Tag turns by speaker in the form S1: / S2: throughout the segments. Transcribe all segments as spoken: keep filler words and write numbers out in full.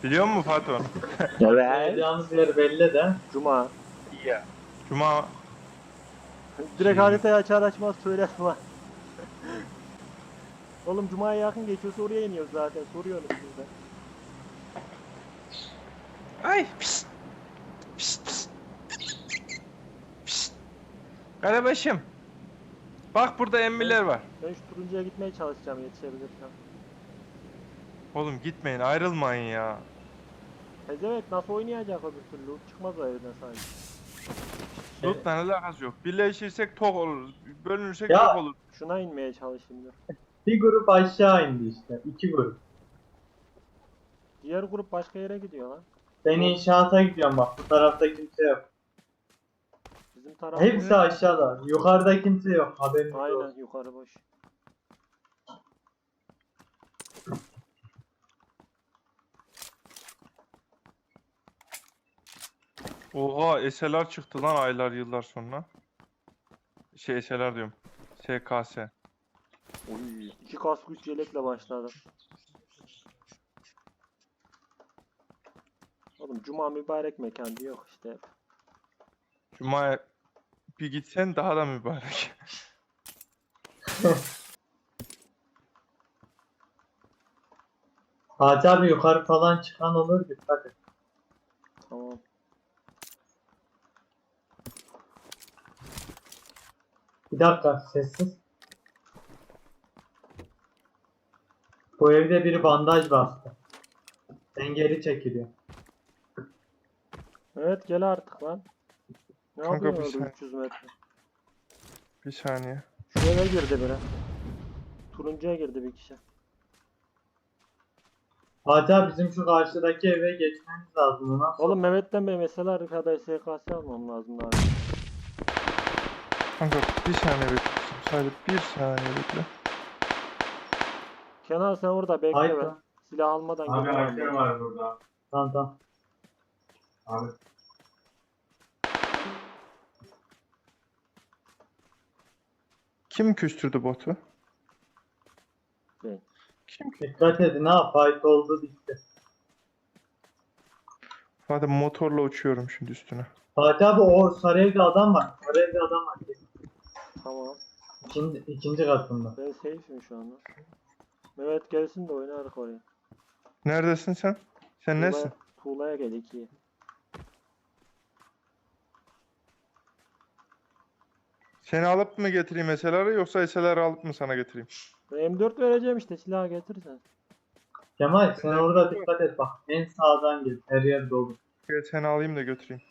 S1: Biliyor musun Fatih onu?
S2: Evet.
S3: Yapacağımız yer belli de.
S2: Cuma.
S1: İyi ya. Cuma
S2: Direkt
S1: Şey-
S2: haritayı açar açmaz söyler var. Oğlum Cuma'ya yakın geçiyorsa oraya iniyoruz zaten. Soruyorsunuz siz de.
S1: Ay pişt. Pişt pişt. Pişt. Karabaşım. Bak burada emmiler var.
S2: Ben şu turuncuya gitmeye çalışacağım yetişebilirsem.
S1: Oğlum gitmeyin ayrılmayın ya.
S2: Pezevenk nasıl oynayacak öbür türlü? Çıkmaz o evden sanki.
S1: Loot'la alakası yok. Birleşirsek tok olur. Bölünürsek
S3: Ya.
S1: yok olur.
S2: Şuna inmeye çalışayım dur.
S3: Bir grup aşağı indi işte. İki grup.
S2: Diğer grup başka yere gidiyor lan.
S3: Ben inşaata gidiyorum bak. Bu tarafta kimse yok.
S2: Bizim taraf
S3: Hepsi aşağıda. Yukarıda kimse yok. Haberiniz olsun.
S2: aynen yukarı boş.
S1: Oha S L R çıktı lan aylar yıllar sonra. Şey S L R diyorum. S K S.
S2: Oy, iki kask üç yelekle başladım. Oğlum Cuma mübarek mekan diyor işte.
S1: Cuma'ya bir gitsen daha da mübarek.
S3: Hacı abi yukarı falan çıkan olur. Dikkat et.
S2: Tamam.
S3: Bir dakika sessiz. Bu evde biri bandaj bastı. Ben geri çekiliyorum.
S2: Evet gel artık lan. Ne
S1: Kanka,
S2: yapıyorsun
S1: bir
S2: orada
S1: saniye.
S2: üç yüz metre?
S1: Bir saniye.
S2: Şu eve girdi biri. Turuncuya girdi bir kişi.
S3: Hacı abi bizim şu karşıdaki eve geçmemiz lazım. Ona
S2: Oğlum Mehmet'ten Bey mesela arkada S K S almam lazım abi.
S1: Kanka bir saniye bekle. Sadece bir saniye bekle.
S2: Kenan sen orada bekle
S3: Haydi.
S2: ben. Silah almadan
S3: Abi
S2: geliyorum
S3: asker
S2: ben.
S3: var burada. Tamam tamam. Abi.
S1: Kim küstürdü botu?
S2: Ben.
S1: Kim?
S3: Dikkat edin ha, fight oldu bitti.
S1: Hadi motorla uçuyorum şimdi üstüne.
S3: Fatih abi o sarı evde adam var. Sarı evde adam var.
S2: Tamam.
S3: İkinci, ikinci katında.
S2: Ben safe'im şu anda. Mehmet gelsin de oynarız oraya.
S1: Neredesin sen? Sen nesin?
S2: Tuğla'ya, Tuğla'ya gel ikiye.
S1: Seni alıp mı getireyim S L R'ı yoksa S L R'ı alıp mı sana getireyim?
S2: Ben M dört vereceğim işte silahı getirirsen.
S3: Kemal sen orada dikkat et bak. En sağdan gel. Her yer dolu.
S1: Gel seni alayım da götüreyim.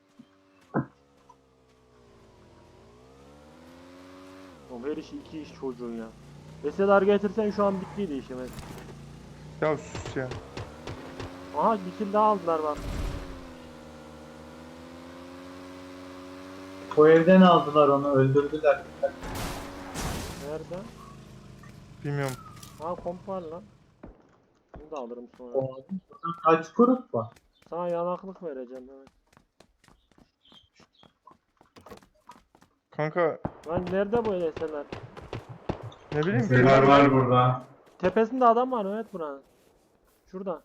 S2: Oğlum her işi iki iş çocuğun ya. Veseler getirsen şu an bittiydi işimiz.
S1: Ya sus ya.
S2: Aha bir kill daha aldılar bak.
S3: Bu evden aldılar onu, öldürdüler.
S2: Nerede?
S1: Bilmiyorum.
S2: Ha komp var lan. Bunu da alırım sonra.
S3: O- Kaç grup var?
S2: Sana yanaklık vereceğim evet.
S1: Kanka
S2: Lan nerede bu eleseler?
S1: ne bileyim.
S3: Neler var burada?
S2: Tepesinde adam var evet buranın. Şurada.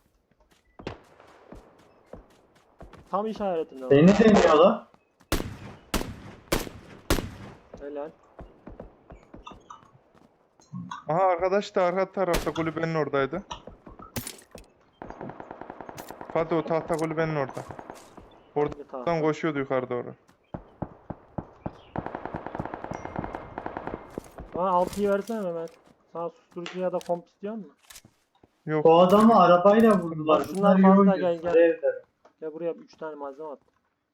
S2: Tam işaretinde var.
S3: Beni deniyorlar.
S2: Helal.
S1: Aha arkadaş da arka tarafta kulübenin oradaydı. Hadi o tahta kulübenin orada.
S2: Bir tane.
S1: Oradan koşuyordu yukarı doğru.
S2: Bana altıyı versene Mehmet. Sana susturucu ya da komp istiyor musun?
S1: Yok.
S3: Bu adamı arabayla vurdular.
S2: Bak şunlar
S3: Bunlar iyi
S2: fazla,
S3: oynuyor.
S2: gel, gel.
S3: Sarı evde.
S2: Gel buraya üç tane malzeme at.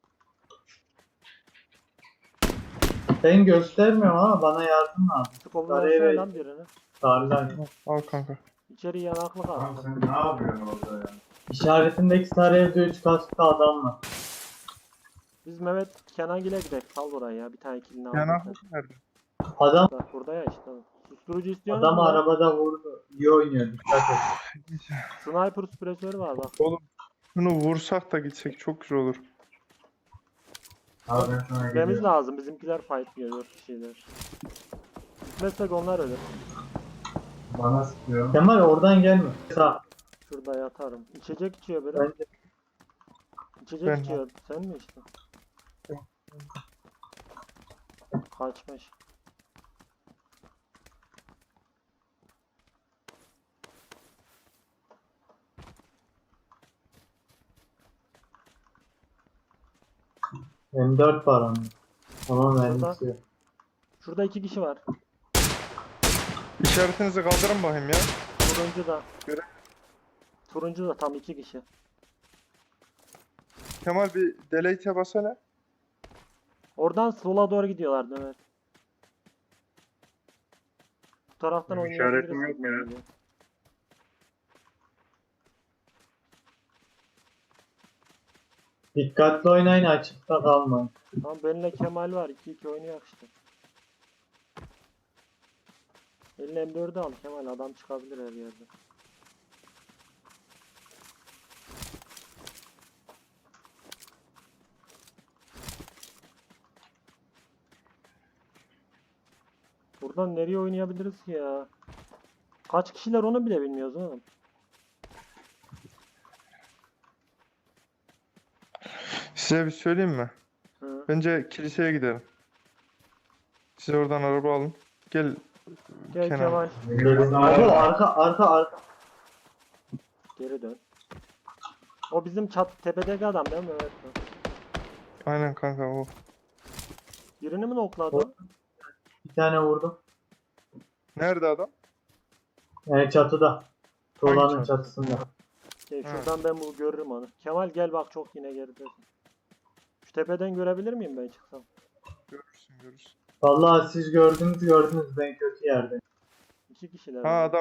S3: Ben göstermiyorum ama bana yardım lazım.
S2: Skopu
S3: Sarı
S2: versene
S3: eve-
S2: lan birini.
S3: Sarılar.
S1: Al kanka.
S2: İçeri yanaklık at.
S3: Sen ne yapıyorsun orada ya? İşaretindeki sarı evde üç kasklı adam var.
S2: Biz Mehmet Kenangil'e gidelim. Sal burayı ya. Bir tane killini al.
S1: Yanaklık nerede?
S3: Adam
S2: Bak burada ya işte. Susturucu istiyor
S3: adamı
S2: musun?
S3: arabada vurdu. İyi oynuyor, dikkat et.
S2: Sniper süpresörü var bak.
S1: Oğlum şunu vursak da gitsek çok güzel olur.
S3: Abi ben sana
S2: Gitmemiz lazım. Bizimkiler fight diyor dört kişiler. Gitmezsek onlar ölür.
S3: Bana sıkıyor. Kemal oradan gelme. Sağ.
S2: Şurada yatarım. İçecek içiyor biri.
S3: Bence
S2: İçecek
S1: Ben-
S2: içiyor. Sen mi içtin? Kaçmış.
S3: M dört var onun. Ama
S2: Şurada.
S3: mermisi yok.
S2: Şurada iki kişi var.
S1: İşaretinizi kaldırın bakayım ya.
S2: Turuncu da.
S1: Göre-
S2: Turuncu da tam iki kişi.
S1: Kemal bir delete'e basana.
S2: Oradan sola doğru gidiyorlardı evet. Bu taraftan
S4: Benim
S2: oynayabiliriz.
S4: işaretim yok
S2: gibime
S4: ya.
S2: geliyor.
S3: Dikkatli oynayın, açıkta kalmayın.
S2: Tamam benimle Kemal var. iki iki oynuyor işte. Eline M dördü al Kemal. Adam çıkabilir her yerde. Buradan nereye oynayabiliriz ki ya? Kaç kişiler onu bile bilmiyoruz oğlum.
S1: Size bir söyleyeyim mi?
S2: Hı.
S1: Bence kiliseye gidelim. Siz oradan araba alın. Gel
S2: Gel
S1: Kenan.
S2: Kemal.
S3: Abi arka arka arka.
S2: Geri dön. O bizim çat tepedeki adam değil mi? Evet.
S1: Aynen kanka o.
S2: Birini mi nokladı o?
S3: Bir tane vurdum.
S1: Nerede adam?
S3: Yani çatıda. Tuğlanın
S1: çatı?
S3: çatısında.
S2: Şey,
S1: Ha.
S2: şuradan ben bu görürüm onu. Kemal gel bak çok yine geridesin. Şu tepeden görebilir miyim ben çıksam?
S1: Görürsün görürsün.
S3: Vallahi siz gördünüz gördünüz, ben kötü yerde.
S2: İki kişiler.
S1: Ha
S2: var.
S1: adam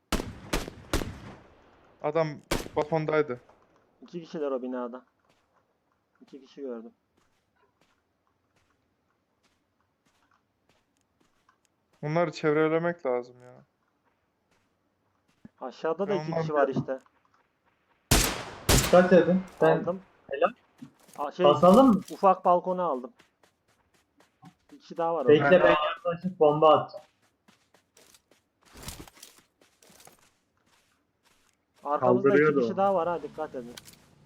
S1: Adam balkondaydı.
S2: İki kişiler o binada. İki kişi gördüm.
S1: Onları çevrelemek lazım ya.
S2: Aşağıda da
S1: Ben
S2: iki
S1: ondan
S2: kişi var işte.
S3: Dikkat edin. Ben
S2: Aldım.
S3: Helal.
S2: Aa, şey,
S3: basalım mı?
S2: ufak balkona aldım. Bir kişi daha var orada.
S3: Bekle, ben yaklaşıp bomba atacağım.
S2: Arkamızda iki
S4: Kaldırıyordu
S2: kişi
S4: o.
S2: daha var ha dikkat edin.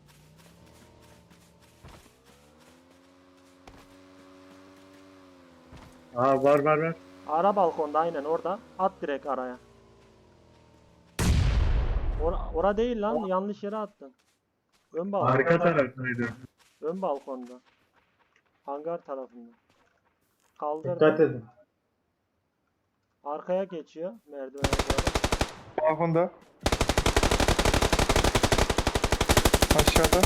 S4: Aa var var var.
S2: Ara balkonda aynen orada. At direkt araya. Ora, ora değil lan yanlış yere attın. Ön balkon.
S4: Arka taraftaydı.
S2: Ön balkonda. Hangar tarafında. Kaldırdı.
S3: Dikkat edin.
S2: Arkaya geçiyor merdivene doğru.
S1: Balkonda. Aşağıda.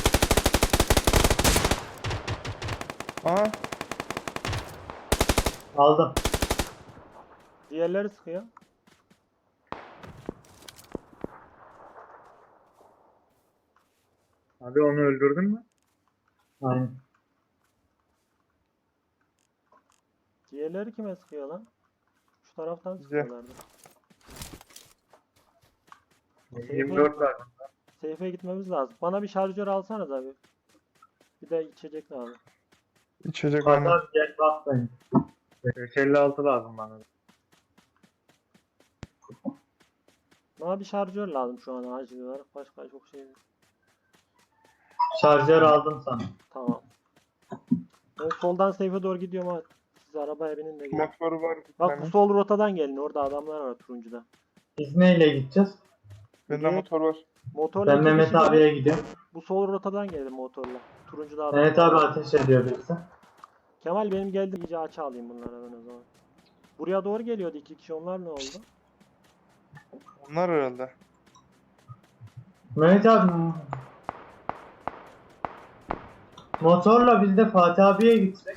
S1: Aha.
S3: Aldım.
S2: Diğerleri sıkıyor.
S4: Abi onu öldürdün mü?
S3: Aynen.
S2: Diğerleri kime sıkıyor lan? Şu taraftan
S1: Bize.
S2: sıkıyorlardı.
S4: yirmi dört var.
S2: Seyfe gitmemiz lazım. Bana bir şarjör alsanız abi. Bir de içecek lazım.
S1: İçecek aynen.
S3: Adam gel bak beni.
S4: beş elli altı lazım bana.
S2: Bana bir şarjör lazım şu an acil olarak. Başka çok şey yok.
S3: Şarjör aldım sana.
S2: Tamam. Ben soldan seyfe doğru gidiyorum ama siz arabaya binin de gidin.
S1: Motoru var bir
S2: Bak
S1: tane.
S2: bu sol rotadan gelin. Orada adamlar var turuncuda.
S3: Biz neyle gideceğiz?
S1: Bende
S2: Direkt
S1: motor var.
S2: Motorla
S3: Ben
S2: iki
S3: Mehmet
S2: kişi gelin.
S3: abiye gidiyorum.
S2: Bu sol rotadan gelin motorla. Turuncuda adam
S3: Mehmet
S2: var.
S3: abi ateş ediyor birisi.
S2: Kemal benim geldim iyice açı alayım bunlara ben o zaman. Buraya doğru geliyordu iki kişi onlar ne oldu?
S1: Onlar herhalde.
S3: Mehmet abi motorla biz de Fatih abiye gitsek.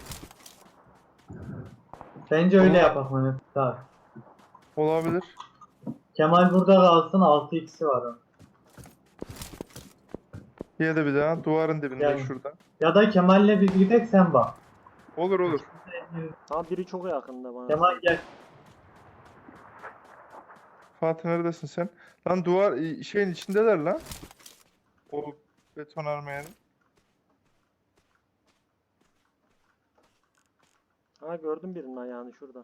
S3: Bence öyle yapak Mehmet abi.
S1: Olabilir.
S3: Kemal burada kalsın, altı x'i var onun.
S1: Yedi bir daha. Duvarın dibinde
S3: Yani.
S1: şurada.
S3: Ya da Kemal'le biz gidek, sen bak.
S1: Olur olur.
S2: Tamam biri çok yakında bana.
S3: Kemal gel.
S1: Fatih neredesin sen? Lan duvar şeyin içindeler lan. O beton armayanın.
S2: Ha gördüm birinin ayağını şurada.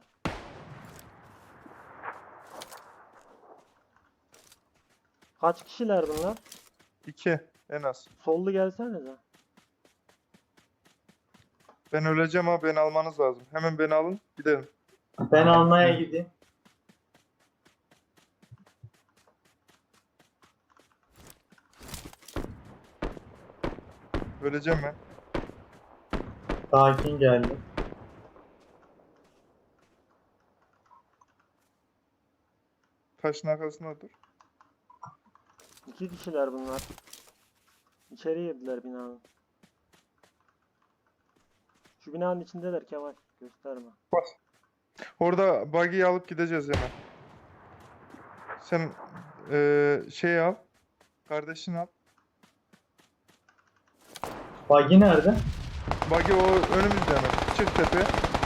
S2: Kaç kişiler bunlar?
S1: İki en az.
S2: Sollu gelsenize.
S1: Ben öleceğim ha, beni almanız lazım. Hemen beni alın gidelim.
S3: Ben almaya gideyim.
S1: Öleceğim ben.
S3: Sakin geldi.
S1: Taşın arkasında dur.
S2: İki kişiler bunlar. İçeri girdiler binanın. Şu binanın içindeler Kemal. Gösterme.
S1: Bas. Orada buggy'yi alıp gideceğiz hemen. Sen eee şey al. Kardeşini al.
S3: Buggy nerede?
S1: Buggy o önümüzde hemen. Çık tepeye.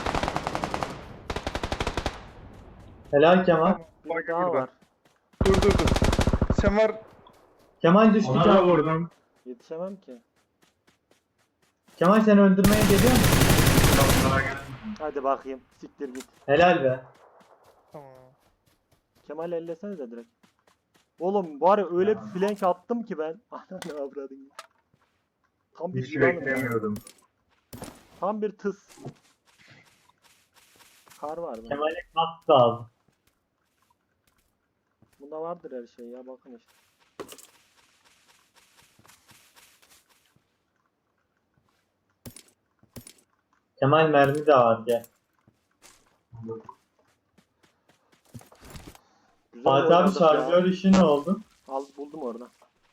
S3: Helal Kemal.
S1: Tamam,
S2: Bir
S1: buggy
S2: daha
S1: burada.
S2: var.
S1: Dur dur dur. Sen var.
S3: Kemal düştü
S4: Ona da
S3: Kemal.
S4: vurdum.
S2: Yetişemem ki.
S3: Kemal seni öldürmeye geliyor mu?
S2: Hadi bakayım. Siktir git.
S3: Helal be.
S1: Tamam.
S2: Kemal ellesenize direkt. Oğlum var ya öyle bir flank attım ki ben. Ananı avradın. Tam bir
S4: Hiç
S2: yılanım ya.
S4: beklemiyordum.
S2: Tam bir tıs. Kar var mı?
S3: Kemal'e kask lazım.
S2: Bunda vardır her şey ya bakın işte.
S3: Kemal mermi de var gel.
S2: Güzel
S3: Fatih abi
S2: oynadık ya.
S3: şarjör işi ne oldu?
S2: Al buldum orada.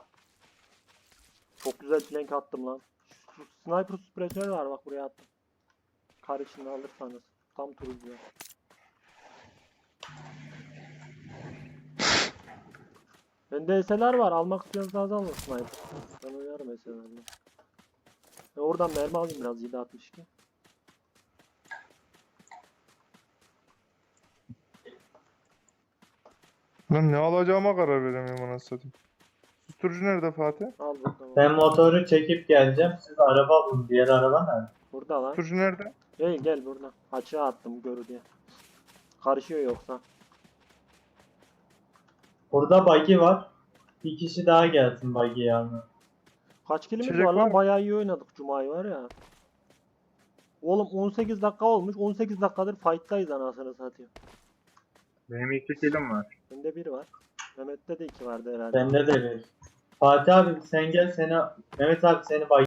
S2: Çok güzel flank attım lan. Şu sniper suppressor var bak buraya attım. Kar içinde alırsanız. Tam turuncu. Bende S L R var. Almak istiyorsanız alın sniper. Ben oynarım S L R'le. E oradan mermi alayım biraz yedi altmış iki.
S1: Lan ne alacağıma karar veremiyorum anasını satayım. Susturucu nerede Fatih?
S2: Al burada.
S3: Ben motoru çekip geleceğim. Siz araba bulun. Diğer araba nerede?
S2: Burada lan.
S1: Susturucu nerede?
S2: Gel gel burada. Açığa attım görü diye. Karışıyor yoksa.
S3: Burada buggy var. Bir kişi daha gelsin buggy'yi almaya.
S2: Kaç kilimiz
S1: İçecek
S2: var
S1: var
S2: lan?
S1: mı?
S2: Bayağı iyi oynadık Cuma'yı var ya. Oğlum on sekiz dakika olmuş. on sekiz dakikadır fight'tayız anasını satayım.
S4: Benim iki kilim var.
S2: Bende bir var. Mehmet'te de iki vardı herhalde.
S3: Bende de bir. Fatih abi sen gel seni Mehmet abi seni buggy